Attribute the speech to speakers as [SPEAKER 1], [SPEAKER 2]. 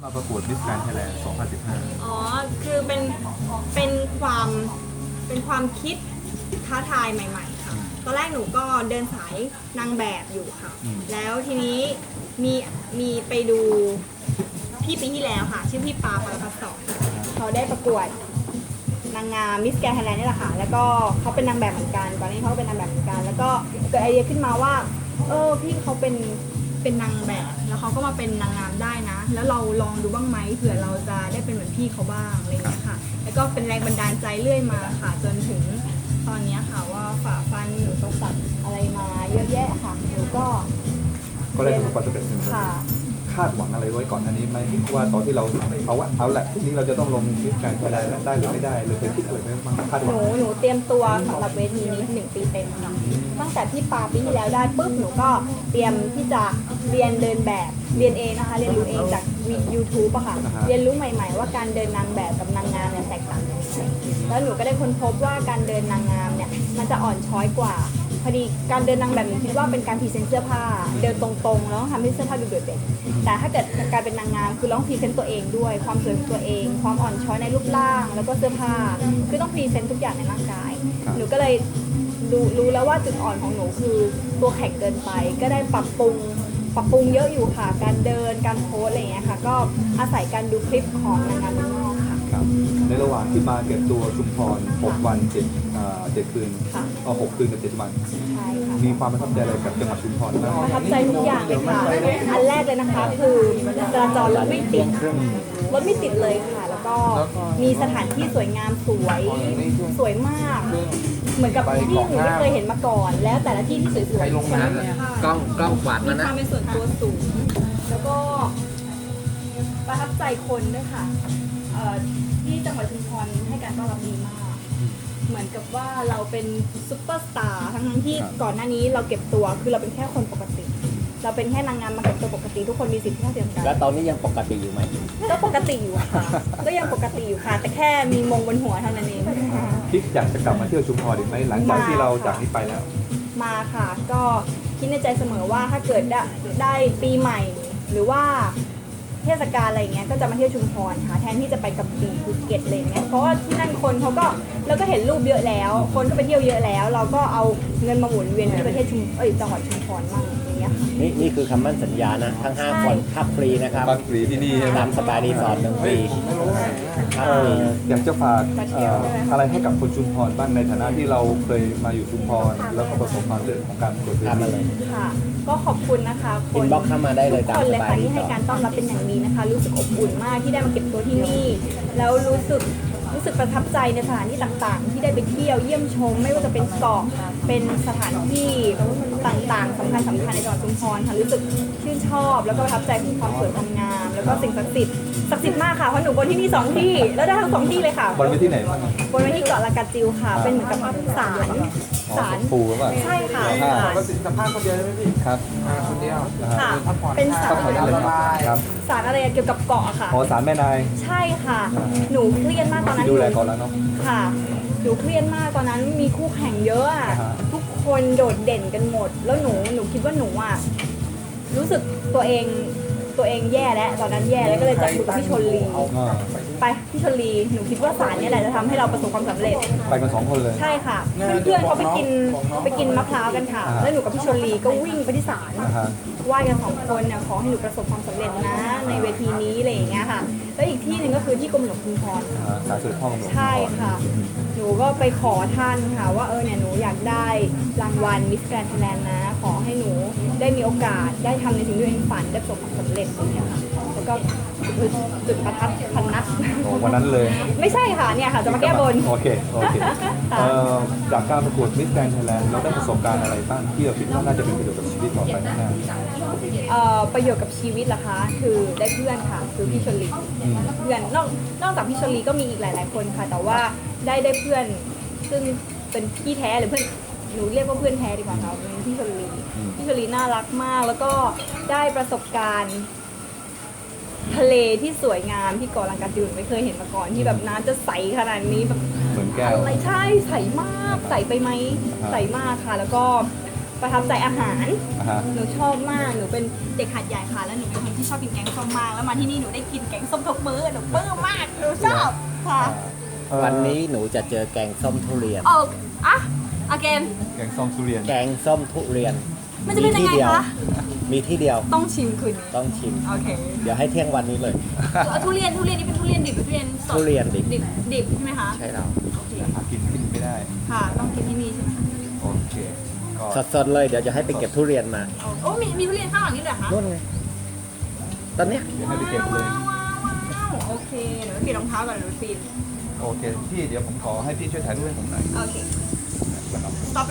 [SPEAKER 1] มาประกวดมิสแกรนด์ไทยแลนด์ 2015
[SPEAKER 2] อ๋อ คือเป็นความคิดท้าทายใหม่ๆค่ะ ตอนแรกหนูก็เดินสายนางแบบอยู่ค่ะ แล้วทีนี้มีไปดูพี่ปีที่แล้วค่ะ ชื่อพี่ปาปารพัฒน์สอนเขาได้ประกวดนางงามมิสแกรนด์ไทยแลนด์นี่แหละค่ะ แล้วก็เขาเป็นนางแบบเหมือนกันก่อนหน้านี้เขาเป็นนางแบบเหมือนกัน แล้วก็เกิดไอเดียขึ้นมาว่าพี่เขาเป็นนางแบบแล้วเขาก็มาเป็นนางงามได้นะ แล้วเราลองดูบ้างไหมเผื่อเราจะได้เป็นเหมือนพี่เขาบ้างอะไรอย่างเงี้ยค่ะ แล้วก็เป็นแรงบันดาลใจเรื่อยมาค่ะ จนถึงตอนนี้ค่ะว่าฝ่าฟันอุปสรรคอะไรมาเยอะแยะค่ะหนูก็
[SPEAKER 1] ก็ได้ประสบความสำเร็จหนึ่ง
[SPEAKER 2] ค่ะ
[SPEAKER 1] คาดหวังอะไรไว้ก่อนอันนี้ไหมว่าตอนที่เราเอาแหละทีนี้เราจะต้องลงมิสแกรนด์ไทยแลนด์ได้หรือไม่ได้หรือเคยคิดอะไรไหมบ้างคาดหวัง
[SPEAKER 2] หนูเตรียมตัวสำหรับเวทีนี้1 ปีเต็มค่ะตั้งแต่ที่ปาปีที่แล้วได้ปุ๊บหนูก็เตรียมที่จะเรียนเดินแบบเรียนเองนะคะเรียนรู้เองจาก YouTube อะค่ะเรียนรู้ใหม่ๆว่าการเดินนางแบบกับนางงามเนี่ยแตกต่างกันยังไงแล้วหนูก็ได้ค้นพบว่าการเดินนางงามเนี่ยมันจะอ่อนช้อยกว่าพอดีการเดินนางแบบหนูคิดว่าเป็นการพรีเซนต์เสื้อผ้าเดินตรงๆแล้วทำให้เสื้อผ้าดูโดดเด่นแต่ถ้าเกิดการเป็นนางงามคือต้องพรีเซนต์ตัวเองด้วยความสวยของตัวเองความอ่อนช้อยในรูปร่างแล้วก็เสื้อผ้าคือต้องพรีเซนต์ทุกอย่างในร่างกายหนูก็เลยรู้แล้วว่าจุดอ่อนของหนูคือตัวแข็งเกินไปก็ได้ปรับปรุงเยอะอยู่ค่ะการเดินการโพสอะไรอย่างเงี้ยค่ะก็อาศัยการดูคลิปของนางงามเมืองนอกค่ะ
[SPEAKER 1] ครับในระหว่างที่มาเก็บตัวชุมพร 6 วัน 7 คืน6 คืนกับ 7 วัน
[SPEAKER 2] ใช่ค่ะ
[SPEAKER 1] มีความประทับใจอะไรกับจังหวัดชุมพรบ้าง
[SPEAKER 2] ประทับใจทุกอย่างเลยค่ะอันแรกเลยนะคะคือจราจรรถไม่ติดเลยค่ะ แล้วก็มีสถานที่สวยงามสวยมาก เหมือนกับที่หนูไม่เคยเห็นมาก่อน แล้วแต่ละที่ที่สวยๆ
[SPEAKER 3] ใครลงน้ำเนี่ยกล้องกวาด
[SPEAKER 2] มี
[SPEAKER 3] มา
[SPEAKER 2] ค
[SPEAKER 3] นะ
[SPEAKER 2] วามเป็นส่วนตัวสูง แล้วก็ประทับใจคนด้วยค่ะที่จังหวัดชุมพรให้การต้อนรับดีมาก เหมือนกับว่าเราเป็นซุปเปอร์สตาร์ทั้งที่ก่อนหน้านี้เราเก็บตัวคือเราเป็นแค่คนปกติ เราเป็นแค่นางงามมาเก็บตัวปกติทุกคนมีสิทธิเท่าเทียมกัน
[SPEAKER 3] แล้วตอนนี้ยังปกติอยู่ไหม
[SPEAKER 2] ก็ปกติอยู่ค่ะก็ยังปกติอยู่ค่ะ แต่แค่มีมงบนหัวเท่านั้นเอง
[SPEAKER 1] คิดอยากจะกลับมาเที่ยวชุมพรอีกไหมหลังจากที่เราจากนี้ไปแล้ว
[SPEAKER 2] มาค่ะ ก็คิดในใจเสมอว่าถ้าเกิดได้ปีใหม่ หรือว่าเทศกาลอะไรเงี้ยก็จะมาเที่ยวชุมพรค่ะแทนที่จะไปกับปีภูเก็ตอะไรเงี้ยเพราะว่าที่นั่นคนเขาก็เราก็เห็นรูปเยอะแล้ว คนก็ไปเที่ยวเยอะแล้ว เราก็เอาเงินมาหมุนเวียนที่ประเทศจังหวัดชุมพรมั่งอย่างเงี้ยค่ะ
[SPEAKER 3] นี่คือคำมั่นสัญญานะ ทั้ง 5 คนพักฟรีนะครับ
[SPEAKER 1] พักฟรีที่นี่ใช่ไหม
[SPEAKER 3] ตามสปารีสอร์ท1 ปีพักฟรี
[SPEAKER 1] อยากจะฝากอะไรให้กับคนชุมพรบ้างในฐานะที่เราเคยมาอยู่ชุมพรแล้วก็ประสบความสำเร็จของการประกวดเว
[SPEAKER 3] ทำมา
[SPEAKER 1] ที
[SPEAKER 3] เลย
[SPEAKER 2] ค่ะ ก็ขอบคุณนะคะค
[SPEAKER 3] อิ
[SPEAKER 2] น
[SPEAKER 3] นบ็อกซ์เข้ามาได้เลย
[SPEAKER 2] ทุ
[SPEAKER 3] ตาก ม
[SPEAKER 2] คน
[SPEAKER 3] ส
[SPEAKER 2] เลย
[SPEAKER 3] บา
[SPEAKER 2] ค่ะ
[SPEAKER 3] รี
[SPEAKER 2] ที่
[SPEAKER 3] ส
[SPEAKER 2] ให้
[SPEAKER 3] อร์ท
[SPEAKER 2] การต้อนรับเป็นอย่างดีนะคะ รู้สึกอบอุ่นมากที่ได้มาเก็บตัวที่นี่ แล้วรู้สึกประทับใจในสถานที่ต่างๆ ที่ได้ไปเที่ยวเยี่ยมชม ไม่ว่าจะเป็นเกาะเป็นสถานที่ต่างๆสำคัญในจังหวัดชุมพรค่ะรู้สึกชื่นชอบ แล้วก็ประทับใจถึงความสวยความงาม แล้วก็สิ่งศักดิ์สิทธิ์มากค่ะเพราะหนูบนที่นี่2 ที่แล้วได้ทั้ง2 ที่เลยค่ะ
[SPEAKER 1] บนไปที่ไหนบ้าง
[SPEAKER 2] บนไว้ที่เกาะลากาจิวค่ะ เป็นเหมือนกับศาล
[SPEAKER 1] ปูหรือเปล่า
[SPEAKER 2] ใช่ค่ะ
[SPEAKER 4] ปกติสัมภาษณ์คนเดียวใช่ไหมพี่
[SPEAKER 1] ครับ
[SPEAKER 4] คนเดียว
[SPEAKER 2] ค่ะ เป็นศา
[SPEAKER 1] ก็
[SPEAKER 2] ล
[SPEAKER 1] ถอยได้เลยครับ
[SPEAKER 2] ศาลอะไรเกี่ยวกับเกาะอะค่ะ
[SPEAKER 1] อ๋อศาลแม่นาย
[SPEAKER 2] ใช่ค่ะ หนูเครียดมากตอนนั้น
[SPEAKER 1] ดูแลก่อนแล้วเนาะ
[SPEAKER 2] ค่ะ หนูเครียดมากตอนนั้นมีคู่แข่งเยอะอะ
[SPEAKER 1] อ่าฮะ
[SPEAKER 2] ทุกคนโดดเด่นกันหมด แล้วหนูคิดว่าหนูอะรู้สึกตัวเองแย่แล้วตอนนั้นแย่แล้วก็เลยจับมือกับพี่ชลลี
[SPEAKER 1] อ่า
[SPEAKER 2] ไปพี่ชลลีหนูคิดว่าศาลเนี่ยแหละจะทำให้เราประสบความสำเร็จ
[SPEAKER 1] ไปกัน2 คนเลย
[SPEAKER 2] ใช่ค่ะ เพื่อนๆเขาไปกินมะพร้าวกันค่ะ
[SPEAKER 1] อ่าฮะ
[SPEAKER 2] แล้วหนูกับพี่ชลลีก็วิ่งไปที่ศาล
[SPEAKER 1] นะฮะ
[SPEAKER 2] ไหว้กัน2 คนเนี่ยขอให้หนูประสบความสำเร็จนะในเวทีนี้อะไรอย่างเงี้ยค่ะ แล้วอีกที่หนึ่งก็คือที่กรมหลวงชุมพร
[SPEAKER 1] ศาลเสด็จพ่อกำหนด
[SPEAKER 2] ใช่ค่ะ หนูก็ไปขอท่านค่ะว่าเนี่ยหนูอยากได้รางวัลมิสแกรนด์ไทยแลนด์นะ ขอให้หนูได้มีโอกาสได้ทำในสิ่งที่ตัวเองฝันได้ประสบความสำเร็จอย่างเงี้ยค่ะ แล้วก็จุดประทัดพันนัด
[SPEAKER 1] โอ้วันนั้นเลย
[SPEAKER 2] ไม่ใช่ค่ะเนี่ยค่ะจะมาแก้บน
[SPEAKER 1] โอเคจากการประกวดมิสแกรนด์ไทยแลนด์เราได้ประสบการณ์อะไรบ้างที่เราคิดว่าน่าจะเป็นประโยชน์กับชีวิตต่อไปข้างหน้า
[SPEAKER 2] ประโยชน์กับชีวิตล่ะคะ คือได้เพื่อนค่ะ คือพี่ชลีเพื่อนนอกจากพี่ชลีก็มีอีกหลาย ๆ คนค่ะ แต่ว่าได้เพื่อนซึ่งเป็นพี่แท้หรือเพื่อนหนูเรียกว่าเพื่อนแท้ดีกว่าค่ะเป็นพี่ชลีพี่ชลีน่ารักมาก แล้วก็ได้ประสบการณ์ทะเลที่สวยงามที่เกาะลังกาจิวไม่เคยเห็นมาก่อนที่แบบน้ำจะใสขนาดนี้แบบ
[SPEAKER 1] เหมือนแก้ว
[SPEAKER 2] อะไรใช่ใสมากใสไปไหมใสมากค่ะ แล้วก็ประทับใจอาหาร
[SPEAKER 1] อ่าฮะ
[SPEAKER 2] หนูชอบมาก หนูเป็นเด็กหัดใหญ่ค่ะ แล้วหนูเป็นคนที่ชอบกินแกงส้มมาก แล้วมาที่นี่หนูได้กินแกงส้มทุกมื้อ หนูปลื้มมาก หนูชอบค่ะ
[SPEAKER 3] วันนี้หนูจะเจอแกงส้มทุเรียน
[SPEAKER 2] โอ้อะ again
[SPEAKER 1] แกงส้มทุเรียน
[SPEAKER 3] แกงส้มทุเรียน
[SPEAKER 2] มันจะเป็นยังไง
[SPEAKER 3] ที่เดีว
[SPEAKER 2] คะ
[SPEAKER 3] มีที่เดียว
[SPEAKER 2] ต้องชิมคืนนี้
[SPEAKER 3] ต้องชิม
[SPEAKER 2] โอเค
[SPEAKER 3] เดี๋ยวให้เที่ยงวันนี้เลย
[SPEAKER 2] ทุเรียนนี่เป็นทุเรียนดิบหรือทุเรียนสด
[SPEAKER 3] ทุเรียนดิบ
[SPEAKER 2] ดิบใช่ไหมคะ
[SPEAKER 3] ใช่แล้ว
[SPEAKER 2] โอเค
[SPEAKER 1] หากินไม่ได้
[SPEAKER 2] ค่ะ ต้องกินที่นี่ใช่ไหมคะ
[SPEAKER 1] โอเคก็
[SPEAKER 3] สดๆเลยเดี๋ยวจะให้ไปเก็บทุเรียนมา
[SPEAKER 2] โอ้มีทุเรียนข้างหลังนี่เลยเหรอคะ
[SPEAKER 3] นู่นไงตอนเนี้ย
[SPEAKER 1] เดี๋ยวให้ไปเก็บเลย
[SPEAKER 2] ว้าวโอเคเดี๋ยวไปเปลี่ยนรองเท้าก่อนเดี๋ยวไปปีน
[SPEAKER 1] โอเคพี่เดี๋ยวผมขอให้พี่ช่วยถ่ายรูปให้ผมหน่อย
[SPEAKER 2] โอเค
[SPEAKER 1] นะครับ
[SPEAKER 2] stop